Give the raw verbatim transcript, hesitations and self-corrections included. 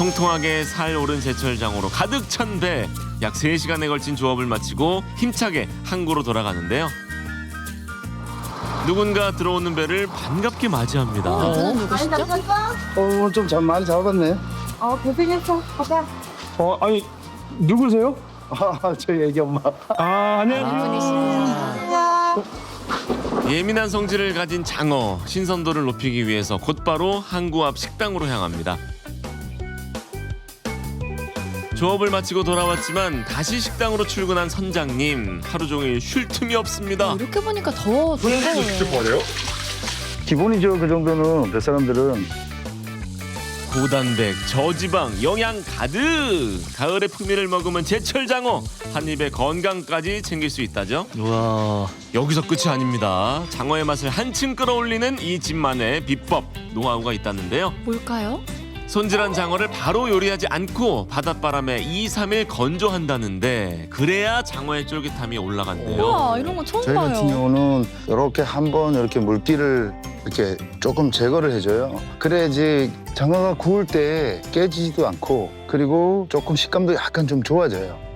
통통하게 살 오른 제철장어로 가득 찬 배. 약 세 시간에 걸친 조업을 마치고 힘차게 항구로 돌아가는데요. 누군가 들어오는 배를 반갑게 맞이합니다. 그는 누구시죠? 어, 좀 잘 많이 잡았네. 어, 고생했어. 가자. 어, 아니 누구세요? 아, 저희 애기 엄마. 아, 안녕하세요. 예민한 성질을 가진 장어, 신선도를 높이기 위해서 곧바로 항구 앞 식당으로 향합니다. 조업을 마치고 돌아왔지만 다시 식당으로 출근한 선장님. 하루 종일 쉴 틈이 없습니다. 이렇게 보니까 더 무서워요. 기본이죠. 그 정도는 뱃사람들은. 고단백, 저지방, 영양 가득! 가을의 풍미를 머금은 제철 장어! 한 입에 건강까지 챙길 수 있다죠? 와. 여기서 끝이 아닙니다. 장어의 맛을 한층 끌어올리는 이 집만의 비법, 노하우가 있다는데요. 뭘까요? 손질한 장어를 바로 요리하지 않고 바닷바람에 이, 삼 일 건조한다는데 그래야 장어의 쫄깃함이 올라간대요. 우와, 이런 건 처음 저희 같은 봐요. 경우는 이렇게 한번 이렇게 물기를 이렇게 조금 제거를 해줘요. 그래야지 장어가 구울 때 깨지지도 않고 그리고 조금 식감도 약간 좀 좋아져요.